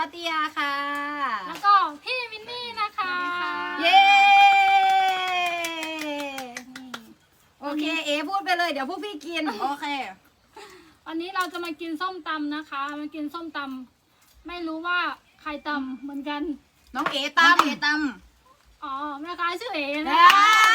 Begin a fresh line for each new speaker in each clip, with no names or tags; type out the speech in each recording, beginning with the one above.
ติยาค่ะ
แล้วก็พี่มินนี่นะคะ
เย้โอเคเอพูดไปเลยเดี๋ยวพวกพี่กินโอเค
วันนี้เราจะมากินส้มตำนะคะมากินส้มตำไม่รู้ว่าใครตำเหมือนกัน
น้องเอตั้ม
อ๋อแม่ค้าชื่อเอ๋นะ
นะ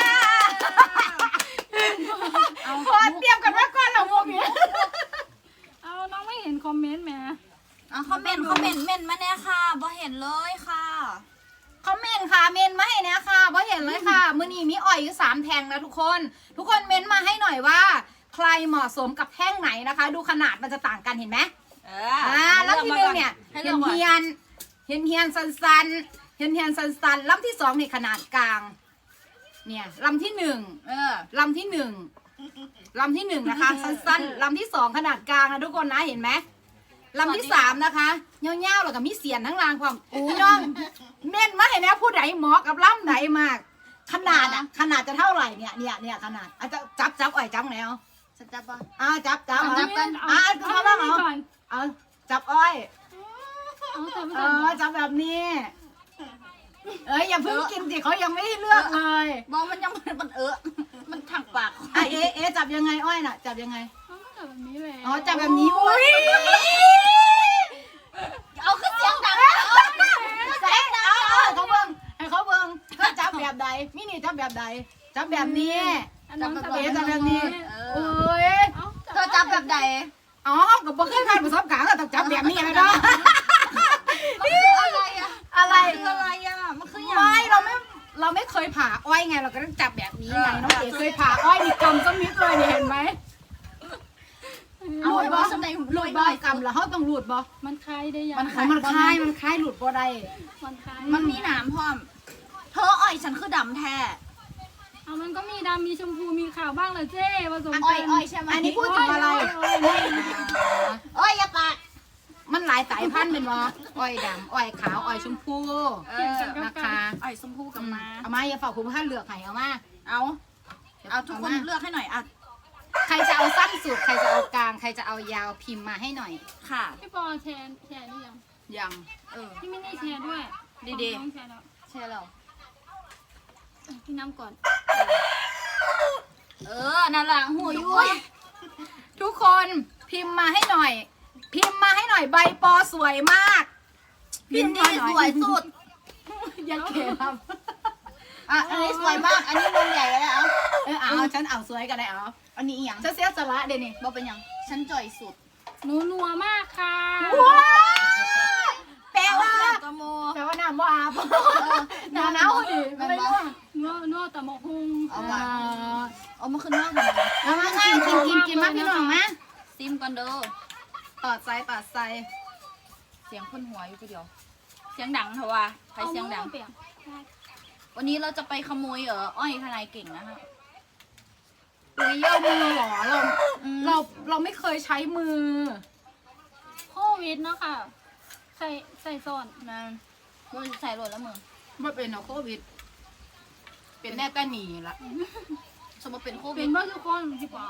เอาพอเตรียมกันไว้ก่อนเหรอพวกนี้
เอาน้องไม่เห็นคอมเมนต์แหม
คอมเมนต์เมนมาเนี่ยค่ะบ่เห็นเลยค่ะ
คอมเมนต์ค่ะเมนมาให้เนี่ยค่ะเพราะเห็นเลยค่ะมือนี้มีอ่อยอยู่3แท่งนะทุกคนเมนมาให้หน่อยว่า ใครเหมาะสมกับแท่งไหนนะคะ ดูขนาดมันจะต่างกันเห็นไหมแล้วทีนึงเนี่ยเฮียนสันลำที่2นี่ขนาดกลางเนี่ยลำที่1ลำที่1นะคะสั้นลำที่2ขนาดกลางนะทุกคนนะเห็นไหมลำที่3นะคะเงี้ยวๆแล้วก็มีเสียนทั้งรางความพี่น้องเม่นมาเห็นไหมผู้ใดเหมาะกับลำไหนมากขนาดจะเท่าไหร่เนี่ยขนาดอาจจะจับอ่อยจับไหนเอา
ฉันจับป่ะ
จับ
เอา
กัน
เอาเรื่องนี้ก่อน
เอาจับอ้อย
เอาแต่ไม่
จับแบบนี้อย่าเพิ่งกินสิเขายังไม่ให้เลือกเลย
บอกมันยังมันมันถักปาก
เอจับยังไงอ้อยน่ะจับยังไง
เอาแต่แบบนี้เลย
จับแบบนี้อุ้ย
เอาขึ้นเสียงดัง
ให้เขาเบิ่งก็จับแบบใดมินี่จับแบบใดจับแบบนี้
น้องจับ
เอจับแบบนี้โอ้ย
เธอจับแบบใด
เขากับบ่เคยผ่านประสบการณ์ก็ต้องจับแบบนี้ไหมเนาะ
อะไรอะ
อะไร
คืออะไรอะมันคืออย่าง
ไม่เราไม่เคยผ่าอ้อยไงเราก็ต้องจับแบบนี้ไงน้องเอ๋เคยผ่าอ้อยนี่กำส้มนิดเลยนี่เห็นไหม
เอา
รูด
ไว้
บ่
ว่าสมัย
รูดบ่กำแล้วเขาต้องรูดบ่
มันคลายได้ยัง
มันคล้ายหลุดบ่ได้
มันคลาย
มันมีหนามพร้อมเธออ่อยฉันคือดำแท้
เอามันก็มีดำมีชมพูมีขาวบ้างเลยเจ้ผสม
อ้
กั
อยใช่ไหม
อันนี้พูดถึงอะไร
อ้อยอย่าปาก
มันหลายสายพันธุ์เป็นบ่อ้อยดำอ้อยขาวอ้อยชมพูนะคะ
อ้อยชมพูกับมา
เอามาอย่าฝากคุณท่านเลือกให้เอามา
เอาทุกคนเลือกให้หน่อยอ่ะ
ใครจะเอาสั้นสุดใครจะเอากลางใครจะเอายาวพิมพ์มาให้หน่อย
ค่ะ
พี่ปอแชร์นี่ยัง
ยัง
พี่มินนี่แชร์ด้วย
ดี
น้องแชร์แล้ว
ๆใช่แล้ว
กินน้ำก่อน
นั่นแหละหูยุ้ย
ทุกคนพิมพ์มาให้หน่อย ใบปอสวยมาก
พิมพ์นี่สวยสุด
ยังเก๋ครับ
อันนี้สวยมาก อันนี้นมใหญ่แล้ว
เอาฉันเอาสวยกันได้เอา
อันนี้อีหยัง
จะเสียสละเดี๋ยวนี้
บอกเป็นหยังฉันจ่อยสุด
หนูนัวมากค่ะ
แปลว่า
ตะโม
น้ำว่าอาบหนาวดิไม่รู้
นัวแต่หมกฮุง
เอามาเอามาขึ้นนอกทำไม
เอามากินมาพี่น้องมา
ซิมก่อนเด้อ
ตอดใส่
เสียงคนหัวอยู่ทีเดียว เสียงดังเถอะว่าใครเสียงดัง
เปลี่ยน
วันนี้เราจะไปขโมยอ้อยทนายเก่งนะคะ
อุ้ยเอามือเหรอเราไม่เคยใช้มือ
โควิดเนาะค่ะใส่ซ่อน
นั่นมึงใส่โหลดแล้วมึง
ไม่เป็นโควิด เป็นแน่แต่หนีละ
สมมติเป็นโควิ
เป็
ด
นว่าทุกคนพี่ปอ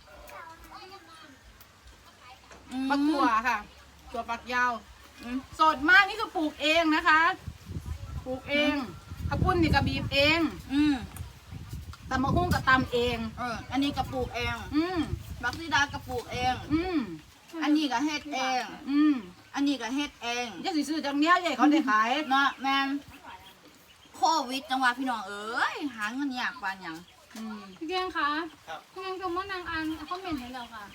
ปักถั่วค่ะถั่วปักยาวสดมากนี่คือปลูกเองนะคะปลูกเองข้าวปุ้นนี่ก็บีบเองตำมะฮุ่งก็ตำเอง
อันนี้กระปุกเอง บักซีดากระปุกเอง อันนี้ก็เฮ็ดเอง อันนี้ก็เฮ็ดเอง
จะซื้อจังเนี้ยใหญ่เขาได้ขาย
เนาะแมนโควิดจังหวะพี่น้องเอ้ยหาเงินยากปานหยัง
พี่แกงคะพี่แกงจะมานางอันคอมเมนต์ให้เราค่ะ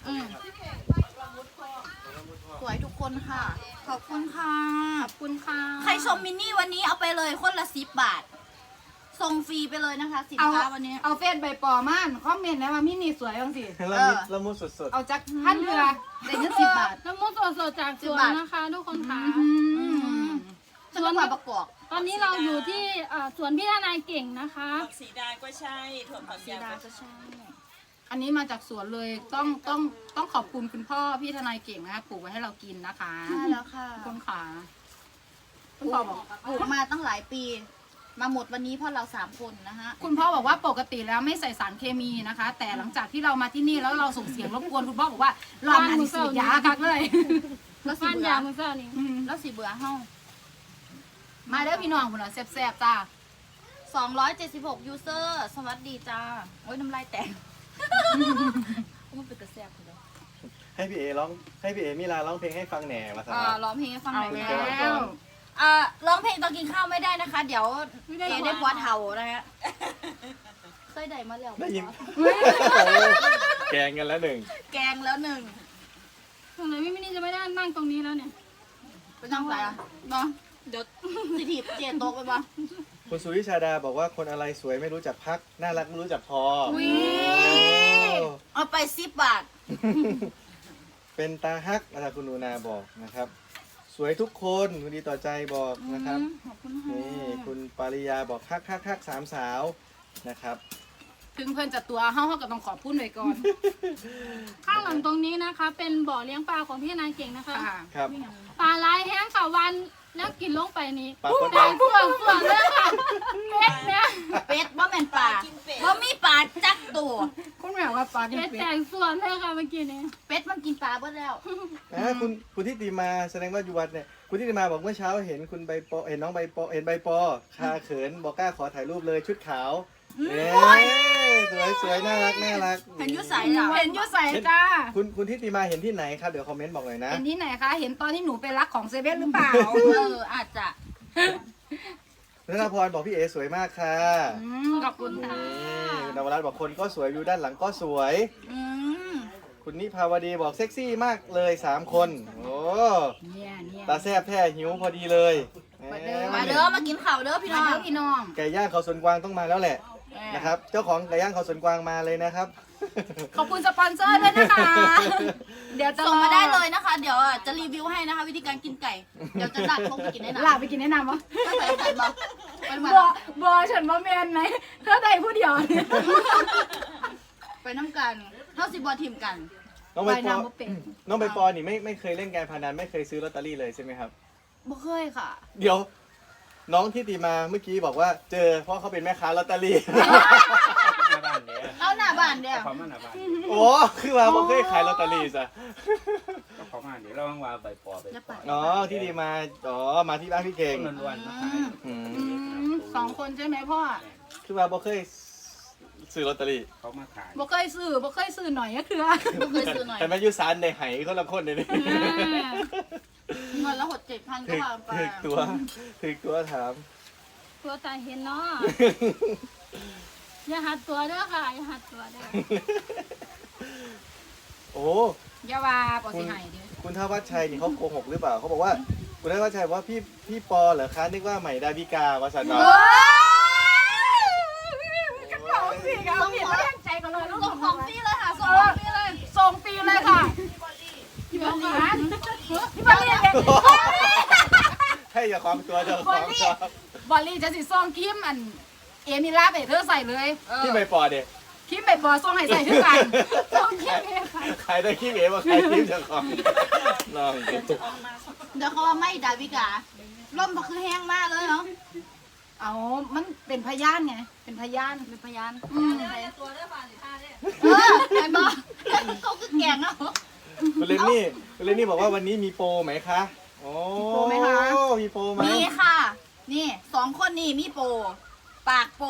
สวยทุกคนค่ะ ขอบคุณค่ะ
ขอบคุณค่ะ
ใครชมมินนี่วันนี้เอาไปเลยคนละ10 บาท ส่งฟรีไปเลยนะคะสินค้าวันนี้
เอาเฟซใบปอม่านคอมเมนต์แล้วว่ามินี่สวยบ้างสิ
ละมุดสด
เอาจากพันเรือได้เงิน10 บาท
น้ำมันสดๆจากสวนนะคะ ทุกคนค่ะ
จังหวัดประกอบ
ตอนนี้เราอยู่ที่สวนพี่ทนายเก่งนะคะ
ผักสีดาก็ใช่ถั่วฝักยาวก็ใช่
อันนี้มาจากสวนเลยต้องขอบคุณคุณพ่อพี่ทนายเก่งนะคะปลูกไว้ให้เรากินนะคะ
ใช่แล้วค่ะ
คุณขา
ปลูกมาตั้งหลายปี มาหมดวันนี้เพราะเรา3 คนนะฮะ
คุณพ่อบอกว่าปกติแล้วไม่ใส่สารเคมีนะคะ แต่หลังจากที่เรามาที่นี่แล้วเราส่งเสียงรบกวนคุณพ่อบอกว่าลองหันสีดยาคักเลย
แล้วสิ
ฟัน
เบื่
ยา
อ
มือเจ้านี่
แล้วสิเบื่อเฮา
มาเด้อพี่น้องพุ่นน่ะแซ่บๆจ้า
276 ยูเซอร์สวัสดีจ้าโอ้ยน้ำลายแตกมันเป็นกระแสบเลย
ให้พี่เอร้องให้พี่เอมิลาร้องเพลงให้ฟังแหน่มาสมัคร
ร้องเพลงให้ฟังหน่อย
เอา
แม่
แล้ว
ร้องเพลงตอนกินข้าวไม่ได้นะคะ เดี๋ยวเอได้ปวดเห่านะฮะไส้ใดมาแล้ว
ได้ยินแกงกันแล้วหนึ่ง
แกงแล้วหนึ่ง
สงสัยพี่มินนี่จะไม่ได้นั่งตรงนี้แล้วเนี่ย
เป็นน้ำใสอ่ะเนาะเดี๋ยวสิถีบเจนโตกไปปะ
คุณสุวิชาดาบอกว่าคนอะไรสวยไม่รู้จักพักน่ารักไม่รู้จักพอ
อุ๊ย
โอ้
เอาไป10 บาท
เป็นตาฮักอาจารย์คุณนูนาบอกนะครับ สวยทุกคนดีต่อใจบอกนะครับ
ขอบคุณค่ะ
นี่คุณปาริยาบอกฮักสามสาวนะครับ
ถึงเพิ่นจะตัวเฮาก็ต้องขอบคุณไว้ก่อน
ข้างหลังตรงนี้นะคะ เป็นบ่อเลี้ยงปลาของพี่นายเก่งนะคะ
ค่ะ
ครับ
ปลาลายแห้งค่ะวันแล้วกินลงไปนี้
ปลาโคตร
แดงส่วนเลยค่ะเม็ดเนี่ย
เป็ดบ่แม่นปลาบ่มีปลาจักตัว
คุณแม่ว่าปลากิน
เม็ด
เป็
แต
ด
งส่วนเลยค่ะเมื่อกี้นี้
เป็ดมันกินปลาเบิดแล้ว
คุณทิติมาแสดงว่าอยู่วัดเนี่ยคุณทิติมาบอกเมื่อเช้าเห็นคุณใบปอเห็นน้องใบปอเห็นใบปอคาเขินบอกกล้าขอถ่ายรูปเลยชุดขาวเอ้ยสวยน่ารัก
เห็นอยุใสเหรอ
เห็นอยู่ใส่จ้า
คุณทิติมาเห็นที่ไหนครับเดี๋ยวคอมเมนต์บอกหน่อยนะ
เห็นที่ไหนคะ เห็นตอนที่หนูไปรักของเซเว่นหรือเปล่า
อาจจะ
นัทพรบอกพี่เอสวยมากค่ะ
ขอบคุณค่ะ
นี่คุณนวรัตน์บอกคนก็สวยวิวด้านหลังก็สวย
อืม
คุณนิพาวดีบอกเซ็กซี่มากเลย3 คน โอ้
เนี่ย
ตาแซบแท้หิวพอดีเลยแห
มาเด้อมากินข้าวเด้อพี่น้
มา
อง
เด้อพี่น้อง
ไก่ย่างเขาสวนกวางต้องมาแล้วแหละนะครับ เจ้าของไก่ย่างเขาสวนกวางมาเลยนะครับ
ขอบคุณสปอนเซอร์ด้วยนะคะ เดี๋ยวจะ
ส่งมาได้เลยนะคะ เดี๋ยวจะรีวิวให้นะคะ วิธีการกินไก่ เดี๋ยวจะลากลงไปกินได้นะ
ลาไปกินแนะนำวะ
ก็ใส่ไก่บอกไปมา
บอฉันว่าแมนไหมเธอใดผู้เดียวเนี่ย
ไปน้ำกันเท่าสิบอทีมกัน
น้องใบปอ
ว่ายน้ำบ่เป็น
น้องใบปอนี่ไม่เคยเล่นการพนันไม่เคยซื้อลอตเตอรี่เลยใช่ไหมครับ
บ่เคยค่ะ
เดี๋ยว น้องที่ตีมาเมื่อกี้บอกว่าเจอเพราะเขาเป็นแม่ค้าลอตเตอรี่
หน้าบ้านเนี่ย
เอาหน้าบ้านเดียว
เขามาหน้าบ้าน
โอ้คือว่าผมเคยขายลอตเตอรี่ซะ
ก็เขามาเดี๋ยวเราว่างว่าใบปอใบปอ
อ๋อที่ดีมาอ๋อมาที่บ้านพี่เก่ง
ต้นวันมาขาย
อืม
2 คนใช่ไหมพ่อ
คือว่าบ่เคยซื้อลอตเตอรี่
เขามาขาย
บ่เคยซื้อหน่อยก็คือ
บ่เคยซื้อหน่อย
แต่แม่ยุสานในไหคนละคนเลยนี่
เงินละหด7,000ก็
ถึก
ว่าไป
ถึกตัวถาม
ตัวตาเห็นเนาะอย่าหัดตัวเด้อค่ะอย่าหัดตัวเด้อ
โอ้
อย่าว่าปอสิให้ดิ
คุณทวัชชัยนี่เขาโกหกหรือเปล่าเขาบอกว่าคุณทวัชชัยบอกว่าพี่ปอเหรอคะนึกว่าใหม่ดาวิกาวาสันเนาะ
เอาสิเอาผิดไม่ตั้งใจกันเลยลูก
ส่งของฟรีเลยค่ะส่งของฟรีเลย
ส่งฟรีเลยค่ะพี่บอลลี่พี่บอลลี่
ให้อย่าความตัวเจ้าของชอบบ
อลลี่จะสิส่งครีมอันเอมิลาไปเธอใส่เลย
ที่ใบปอเด็ก
ครีมไปบอส่งให้ใส่ทุกกันส่งครีมให้ใส่
ขายได้ขี้เหร่ว่าขายขี้เจ้าของน้อง
เดี๋ยวเขาว่าไม่ดาวิกาล่มก็คือแห้งมากเลยเนาะ
เอามันเป็นพยานไงเป็นพยาน
เป็นพยาน
อืม
เห็นบ่เขาคือแกงเนาะ
คุณเลนนี่บอกว่าวันนี้มีโปรไหมคะโอ้มีโปรไหม
มีค่ะ นี่2 คนนี่มีโปรปากโปร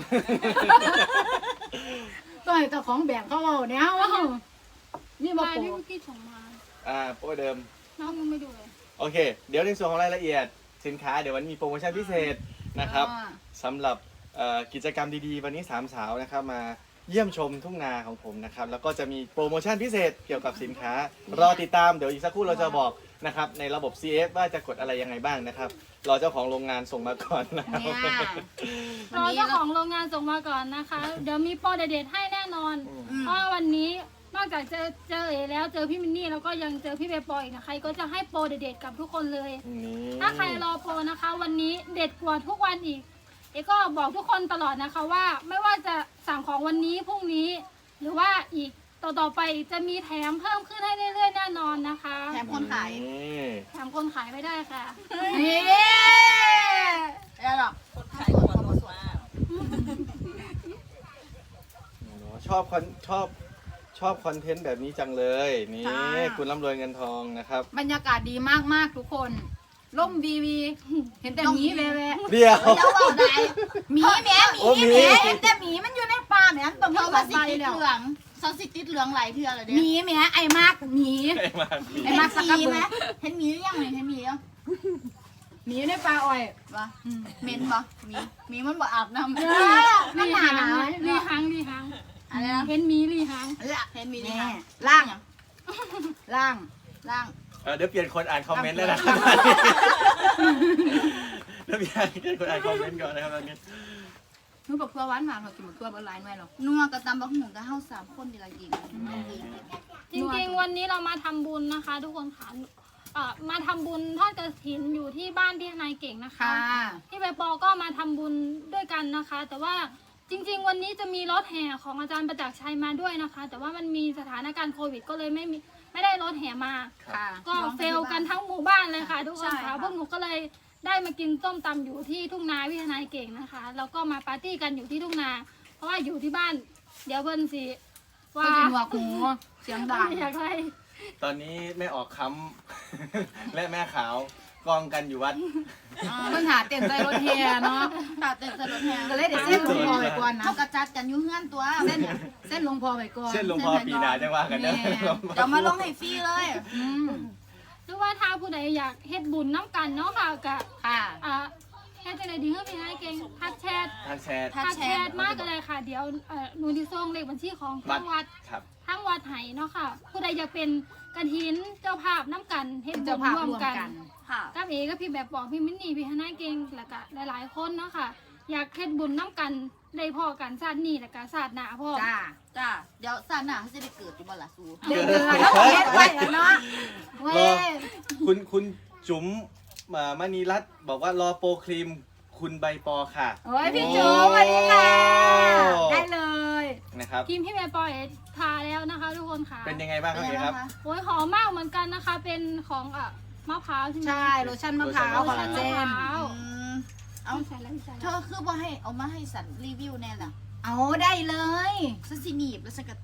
ต้องให้เจ้าของแบ่งเขาเอาเนี่ยว่านี่บอ
ลาย
โป
ที่เมื่อกี้ส่งมา
โปรเดิม
น้องยังไม่ดูเลย
โอเค เดี๋ยวในส่วนของรายละเอียดสินค้าเดี๋ยววันมีโปรโมชั่นพิเศษนะครับสำหรับกิจกรรมดีๆ วันนี้3 สาวนะครับมาเยี่ยมชมทุ่งนาของผมนะครับแล้วก็จะมีโปรโมชั่นพิเศษเกี่ยวกับสินค้ารอติดตามเดี๋ยวอีกสักครู่เราจะบอกนะครับในระบบ CF ว่าจะกดอะไรยังไงบ้างนะครับรอเจ้าของโรงงานส่งมาก่อนนะครับ
เนี่ย
รอเจ้าของโรงงานส่งมาก่อนนะคะ เดี๋ยวมีโปรเด็ดๆให้แน่นอน เพราะว่าวันนี้นอกจากเจอเอแล้วเจอพี่มินนี่แล้วก็ยังเจอพี่เบปอยอีกนะใครก็จะให้โปรเด็ดๆกับทุกคนเลย
นี่
ถ้าใครรอโปรนะคะ วันนี้เด็ดกว่าทุกวันอีก เอก็บอกทุกคนตลอดนะคะว่าไม่ว่าจะสั่งของวันนี้พรุ่งนี้ หรือว่าอีกต่อไปจะมีแถมเพิ่มขึ้นให้เรื่อยๆแน่นอนนะคะ
แถมคนขาย
นี่
แถมคนขายไม่ได้ค่ะ
นี่
แล้วหรอก
คนขายหัวโลมาก
ชอบอบคอนเทนต์แบบนี้จังเลยนี่คุณร่ำรวยเงินทองนะครับ
บรรยากาศดีมากๆทุกคนล่มวีวีเห็นแต่หมีแวะ
เดี๋ยว
เดี๋ยวเอาได้
หมีแหมห
โอ้
มี
หมี
แหมเห็นแต่หมีมันอยู่ในป่าแหมตรง
เธ
นี้
อ
ก็
มาสิ
ใส่
ติด
แล้ว
เหลืองซอสสิติดเหลืองหลายเทื่อเลยเด้
หมีแหมไอ้มากหมี
ไอ้มาพี่
ไอ้มาสักกะเบือ
เห็นหมีหรือยังเห็นหมียัง
หมีอยู่ในป่าอ้อยว
ะเหม็นปะหมีมันบ่อาบน้ำ
มันหนาหนาว
ลีหังลีหัง
อะไรนะ
เห็นหมีลีหัง
เห็นหมีนี่
แน่
ค่ะ
ล่างล่าง
ล่าง
เดี๋ยวเปลี่ยนคนอ่านคอมเมนต์แล้วนะครับเดี๋ยวเปลี่ยนคนอ่านคอมเมนต์ก่อนนะครับตอนนี้
หนูบอกตัวหวานหวานเรากินบอกตัวบนไลน์หน่อยหรอก
นัวกับตำบักหุ่งกับเฮา3คนดีละกิน
จริงๆวันนี้เรามาทำบุญนะคะ ทุกคนค่ะมาทำบุญทอดกฐินอยู่ที่บ้านพี่นายเก่งนะคะ
ค่ะ
พี่ใบปอก็มาทำบุญด้วยกันนะคะ แต่ว่าจริงๆ วันนี้จะมีรถแห่ของอาจารย์ประจักษ์ชัยมาด้วยนะคะ แต่ว่ามันมีสถานการณ์โควิด ก็เลยไม่ได้รถแห่มา
ค่ะ
ก็เฟลกันทั้งหมู่บ้านเลยค่ะ ทุกคน
ใช่
ค่ะ
ค่ะ
พวกหนูก็เลยได้มากินส้มตำอยู่ที่ทุ่งนาพี่นายเก่งนะคะ แล้วก็มาปาร์ตี้กันอยู่ที่ทุ่งนา เพราะว่าอยู่ที่บ้าน เดี๋ยวเพิ่นสิ
ก็
ว่า
จะหนวกหูเสียงดัง
อยากให้
ตอนนี้แม่ออกค้ำ และแม่ขาวกองกันอยู่วัด
เพิ่งหาเต็นใจรถเฮียเนาะ
ตาเต็มถนนแห้ง
ก็เลยเดี๋ยวเส้นหลวงพ่อไปก่อนนะ
เฮากระจัดกันอยู่เฮือนตัว
เส้นหลวงพ่อไปก่อน
เส้นหลวงพ่อปีหนาจะว่ากันเด้อ
เดี๋ยวมาลงให้ฟรีเลย
อืม
หรือว่าถ้าผู้ใดอยากเฮ็ดบุญน้ำกันเนาะค่ะกะ
ค่ะ
เฮ็ดจังไดดีเฮ้ยพี่นายเก่งทักแชท
ทางแชท
ทักแชทมากก็เลยค่ะ เดี๋ยวหนูที่ส่งเลขบัญชีของทางวัด
ครับ
ทางวัดไหเนาะค่ะ ผู้ใดอยากเป็นกฐินเจ้าภาพน้ำกันเฮ็ด
เป็น
บุ
เจ้า
ญ
ภาพ
ร่วม
รวม
กัน
กัน
ค่ะ
กับเอกับพี่แบบบอกพี่มินนี่พี่ฮนายเก่งแล้วก็หลายๆคนเนาะค่ะ อยากเฮ็ดบุญน้ำกันได้พอกันชาตินี้แล้วก็ชาติหน้าพ่อ
จ้า
จ้าเดี๋ยวซาหน้าเขาจะได้เกิดอยู่บ่ล่ะสู
เดือดแล้วก็เฮ็ดไว้อะเนาะเว้
รอย คุณจุ๋มมณีรัตน์บอกว่ารอโปรครีมคุณใบปอค่ะ
โอ้ยพี่จูสวัสดีค่ะ ได้เลย
นะครับ
ทีมพี่แบบปอยทาแล้วนะคะ ทุกคนค่ะ
เป็นยังไงบ้างครับพี่ครับ
โอ้ยหอมมากเหมือนกันนะคะ เป็นของมะพร้าวใช่ไหม
ใช่โลชั่นมะพร้าว
โล
คอล
ชั่
ลาน เจ
มะ
น
พร้าว
เอา
ใส่แล้วใส่
เธ
แล้ว
อคือบ่ให้เอามาให้สันรีวิวแน่ล่ะ
เอาได้เลย
ฉันสิหนีบแล้วฉันก็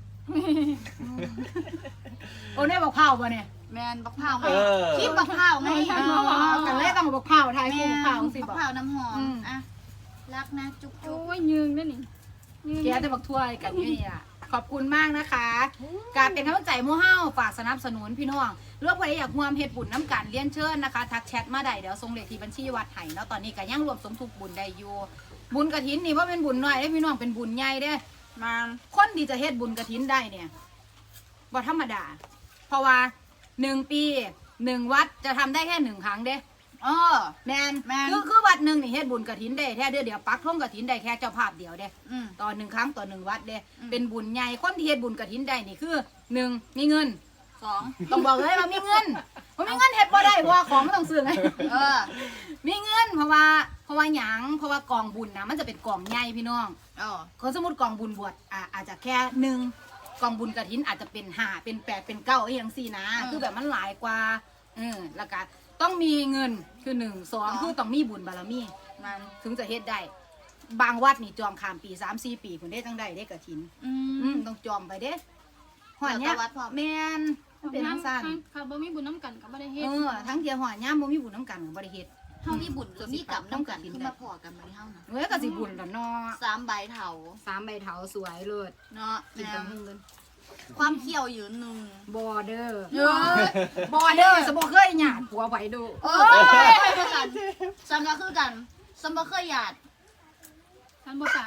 โอ้เนี่ยบอกเผาป่ะเนี่ย
แมนบักพร้าวไง
เออ
คลิปบักพร้าวไง
กันเลยต้องบอกเผาไทย
แม
คู่
น
เผาสิ
บั
บอก
กพร้าวน้ำหอม
อืม
อ่ะรักนะจุ๊บ
โอ้
จุ๊บ
ยยืงด้วยนี่ยืง
แกจะบอกถ้วยกันอยู่นี่ล่ะขอบคุณมากนะคะ การเป็นกำลังใจหมู่เฮาฝากสนับสนุนพี่น้องเรื่องใครอยากร่วมเฮ็ดบุญน้ำกันเลี้ยนเชิญนะคะ ทักแชทมาได้เดี๋ยวส่งเลขที่บัญชีวัดไห้เนาะตอนนี้ก็ยังรวมสมทบบุญได้อยู่บุญกฐินนี่ว่าเป็นบุญน้อยได้พี่น้องเป็นบุญใหญ่เด้
มา
คนที่จะเฮ็ดบุญกฐินได้เนี่ยบ่ธรรมดา เพราะว่า1 ปี1 วัดจะทำได้แค่1 ครั้งเด้
เออ
แมน
แม่น
คือวัดหนึ่งนี่เฮ็ดบุญกฐินได้แค่เดียวปักท่งกฐินได้แค่เจ้าภาพเดียวเด้
อืม
ต่อ1 ครั้งต่อ1 วัดเด้
อืม
เป็นบุญใหญ่คนที่เฮ็ดบุญกฐินได้นี่คือ1มีเงิน
2
ต้องบอกเลยว่ามีเงินบ่มีเงินเฮ็ดบ่ได้เพราะว่าของมันต้องซื้อไง
เออ
มีเงินเพราะว่าหยังเพราะว่ากองบุญนะมันจะเป็นกองใหญ่พี่น้อง
เออ
คนสมมติกองบุญบวชอาจจะแค่1กองบุญกฐินอาจจะเป็น5เป็น8เป็น9อย่างสี่นะ
อืม
คือแบบมันหลายกว่าแล้วก็ต้องมีเงินคือ1 2คือต้องมีบุญบารมี
มัน
ถึงจะเฮ็ดได้ บางวัดนี่จองข้ามปี3-4 ปีคุณได้จังได้ได้กฐิน ต้องจองไปเด้หอยเนี้ย
แล้วแต่วัดพร้อม
แม่นมันเป็นทั้งสั้น
ค่ะบ่มีบุญน้ำกันกับบ่ได้เฮ็ด
ทั้งเดียวหอยย่ามบ่มีบุญน้ำกันกับบ่ได้เฮ็ด
เฮามีบุญก็มีกรรมน้ำกันขึ้นมาพอกันมาที่เฮานะ
เอ้ยก็สิบุญแล้วเนาะ
3ใบเถา
3 ใบเถาสวยเลิศ
เนาะ
กิน
แน
ตะ
ม
มึงเงิน
ความเขี้ยวยืนหนึ่ง
บอเดอร์
เยอะ
บอเดอร์สมบ่เคยหยาดผัวไว้ดู
เออไปด้วยกันฉันก็คือกันฉันบ่เคยหยาด
ฉันบ่ปาก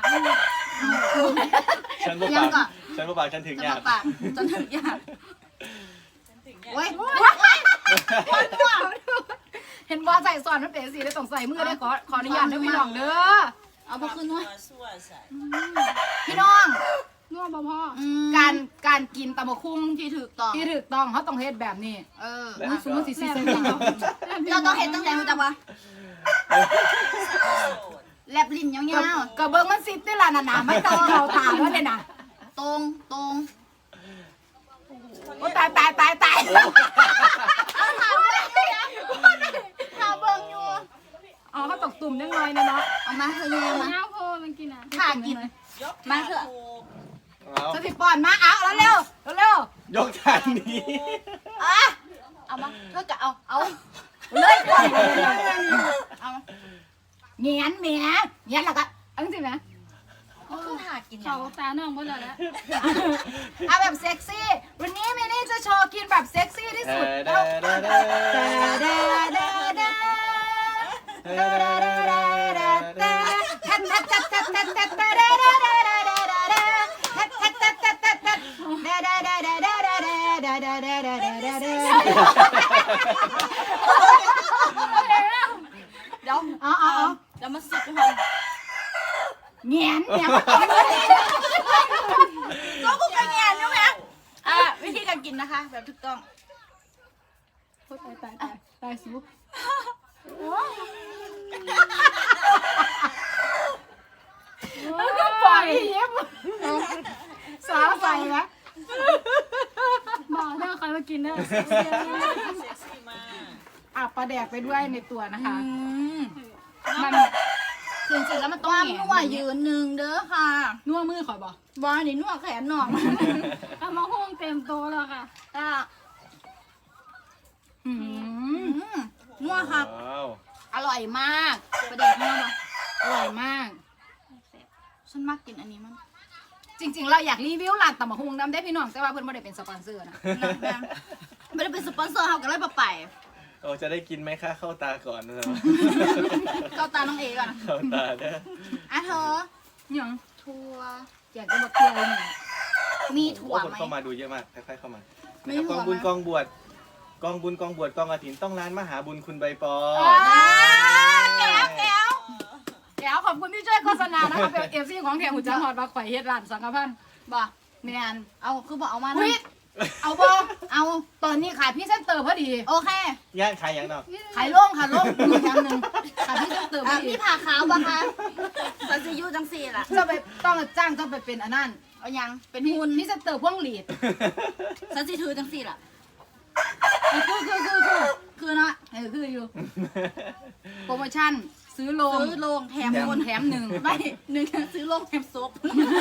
ฉันบ่
ยั
ปาง ก
ก่อน
ฉันบ่ปากฉันถึง
ฉัน
ยา
บ่
ก
ปากฉันถึงหยาด
ถึงเนี่ย
เว้ย
เห็นบอใส่สอนมันเป็นสิได้ต้องใส่มือได้ขออนุญาตเด้อพี่น้องเด้อ
เอาบ่ขึ้นด้วย
ซั่วใส่
พี่น้อง
นัวบ่พอ
การกินตำบักหุ่ง
ที่ถูกต้อง
ที่ถูกต้องเขาต้องเฮ็ดแบบนี้
เออ
อุ้ยสมมุติสิสิใส่มือ
เราต้องเห็นตั้งแต่รู้จักวะ
โสด
แลบลิ้นยาว
ก็เบิ่งมันสิได้ล่ะน่ะไม่ต้องเข้าตาแล้วเลยน่ะ
ๆตรง
โอ้ตาย
เอาถามเบิ่งอยู่นะถามเบิ่งอยู่
อ๋อเขาตกตุ่มนิดหน่อยนะเนาะ
เอามาเธอยังมา
น้าโพมันกินอ่ะ
ขากิน
ยก
มาเถอะ
ถูก
เอา
สถิตป้อนมาเอาแล้วเร็วเร็วย
กทางนี้
อ่ะเอามาเพื่อกะเอา
เลยก่อน
เอามา
เงียนแหมเงียนแล้วก็เอังสินะ
คือหากินอย่า
เขา
ง
ตาน้องเพิ่นแล้วแหละ
เอาแบบเซ็กซี่ วันนี้มินี่จะโชว์กินแบบเซ็กซี่ที่สุด
เด้อเด้อเด้อเด้อ
เด้อเด้อเด้อเด้อเด้อเด้อเด้อเด้อเด้อทัดทัดทัดทัดทัดทัดเด้อเด้อเด้อเด้อเด้อเด้อเด้อเด้อทัดทัดทัดทัดทัดทัดเด้อเด้อเด้อเด้อเด้อเด้อเด้อเด้อเด้อเด้อเด้อเด้อเด้อ
เดี๋ยว
เอา
เดี๋ยวมาสิบทุกคน
เงียนเงียน
ก็กูกระเงียนใช่ไหมวิธีการกินนะคะ แบบถูกต้อง
ตายสูแล้วก็ปล่อยยิ้มสาวใส่ไหม
บอกเด้อใครมากินเด้อ
เซ็กซี่มาก
ปลาแดกไปด้วยในตัวนะคะ มัน
ถึงเสร็จแล้วมันต้องนัวยืนหนึ่งเด้อค่ะ
นัวมือข่อยบอก
บอลนี่นัวแขนหน่อง
เอามาหุ้งเต็มโตะแล้วค่ะ
นัวครับ
ว้าว
อร่อยมากประเด็นนัวปะ
อร่อยมาก
ฉันมักกินอันนี้มั้ง
จริงๆ เราอยากรีวิวร้านตำบักหุ่งน้ำได้พี่น้องแต่ว่าเพื่อนไม่ได้เป็นสปอนเซอร์นะ
ไม่ได้เป็นสปอนเซอร์เขาก็เลยไป
โอ้จะได้กินไหมคะเข้าตาก่อนนะ
เข้าตาน้องเอก่อน
เข้าตาเด้อ
อ่ะเธอ
ยัง
ถั่ว
อยากจะบอกเที่ยวนี่
มีถั่ว
โอ้คน
ไหม
เข้ามาดูเยอะมากค่อยๆเข้ามา
ไม่
นะครับ
หั
ก
ว
องบุญ
ไหม
กองบวชกองบุญกองบวชกองอาถินต้องร้านมหาบุญคุณใบปอ
แก้วแก้วแก้วขอบคุณที่ช่วยโฆษณานะคะเป็นเอฟซีของแถมหุ่นจังหอดมาข่อยเฮ็ดร้านสังฆพันธ์
บ่
แมน
เอาคือบอกเอามา
อุ๊ย
นะ
เอาบอ
เอา
ตอนนี้ขายพี่เส้นเตอร์พอดี
โอเค
ย่างขายอย่างเนาะ
ขายโล่งค่ะโล่งมีอย่างหนึ่งขายพี่เส้นเตอร์พอดี
พี่ผ่าขาวปะคะสันจะยูจังสี่ล่ะ
จะไปต้องจ้างต้องไปเป็นอันนั้น
เอายังเป็น
พี่
หุ่น
พี่เส้นเตอร์พ่วงหลีด
สันจะถือจังสี่ล่ะ
คือเนาะคืออยู่ โปรโมชั่นซื้อโลง
ซื้อโลงแถม
แถม
หุ่น
แถมหนึ่ง
ไม่หนึ่งซื้อโลงแถมซบ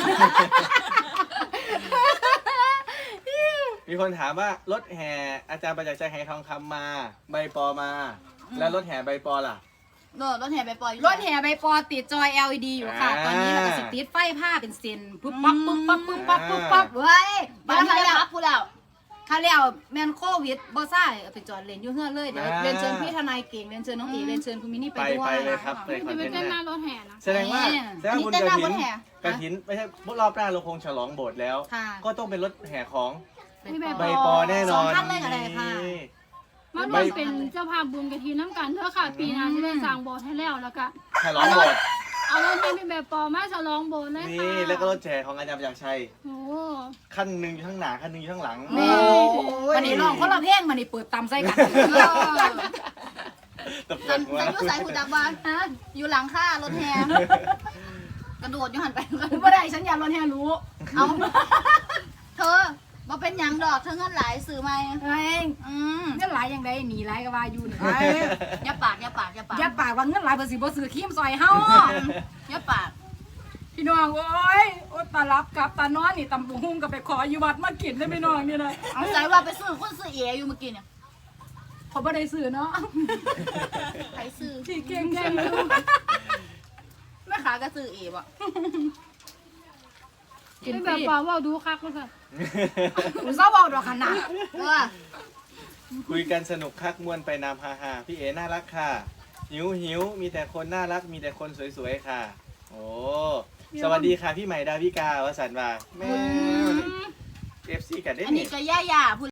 มีคนถามว่ารถแห่อาจารย์ประจักษ์ชัยแห่ทองคำมาใบปอมา แล้วรถแห่ใบปอล่ะ
รถแห่ไปปล่อย
รถแห่ใบปอติดจอย LED อยู่ค่ะ ตอนนี้เราก็สิติดไฟผ้าเป็นเซนปุ๊บปั๊บปุ๊บปั๊บปุ๊บปั๊บปุ๊บปั๊บเว้ย
บ้านเขาแล้วพูดแล้ว
ข้าแล้วแมนโควิดบ่ซ่าเอาไปจอดเลนอยู่เฮือนเลยเดี๋ยวเรียนเชิญพี่ทนายเก่งเรียนเชิญน้องเอ๋เรียนเชิญคุณมินนี่ไปด้วย
ไปเลยครับไปคอน
จะ
เท
ไป
นต์
เต้นห
ห
น้า
น้าร
ถแห่นะ
แสดงว่า
เนี่ย
แสดงว่าบุญ
นี่เต้นหน้าร
ก
ถ
ฐิน
แห่
กฐินไม่ใช่รอบหน้าเราคงฉลองโบสถ์แล้ว
ค่ะ
ก็ต้องเป็นรถแห่ของ
มีแบบ
ใบปอแน่นอน
สองท่านเลยอะไรค่ะ
นี่
มาร่วมเป็นเจ้าภาพบุญกะทิน้ำกันเถอะค่ะ ปีหน้าจะได้สร้างโบสถ์ให้แล้วแล้วก็
ฉลองโบสถ์
เอารถให้พี่แบบปอมาฉลองโบสถ์เลยค่ะ
นี่แล้วก็รถแห่ของอาจารย์ประจักษ์ชัย
โอ้
ขั้นหนึ่งอยู่ข้างหน้าขั้นหนึ่งอยู่ข้างหลัง
แม่
โอ้ย
วันนี้ลองคนละเพลงมันนี่เปิดตามไส้กัน
ตบ
สัน
หัว
ยูใส่หูดักบอลอยู่หลังค่ารถแห่กระโดดอยู่หันไป
บ่ได้ฉันอยากรถแห่รู้
เอาเธอมาเป็นหยังดอกเธอเงินหลายสื่อไหม
เอ้ย
เ
เงินหลายยังได้หนีหลายก็ว่าอยู่นี่
อย่าปากอย่าปากอย่าปาก
ยัดปากว่าเงินหลายเพิ่นสิบ่ซื้อครีมซอยเฮา
อย่าปาก
พี่น้องโอ้ยโอ๊ยตารับกับตานอนนี่ตำบุหุ่งก็ไปขออยู่วัดมากินได้พี่น้องนี่นะ
เอาใจว่าไปซื้อคนซื้อเออยู่เมื่อกี้เนี่ย
เขาบ่ได้ซื้อเนาะ
ใครซื้อ
ที่เก่งๆอยู่
แม่ค้าก็ซื้อเอบ่
กิน
พี่
ฟ
แบบ
รี
ปอว่าดูคักเลยค่ะ
อุตส่าห์เว้าดอกขนาด
ว่า
คุยกันสนุกคักมวนไปนามฮาฮาพี่เอ๋น่ารักค่ะ หิวมีแต่คนน่ารักมีแต่คนสวยๆค่ะ โอ้สวัสดีค่ะพี่ใหม่ดาวิกาวสันต์ว่าแม่เอฟซีกันได้
อัน
นี่
นี้ก็ย่าๆพูด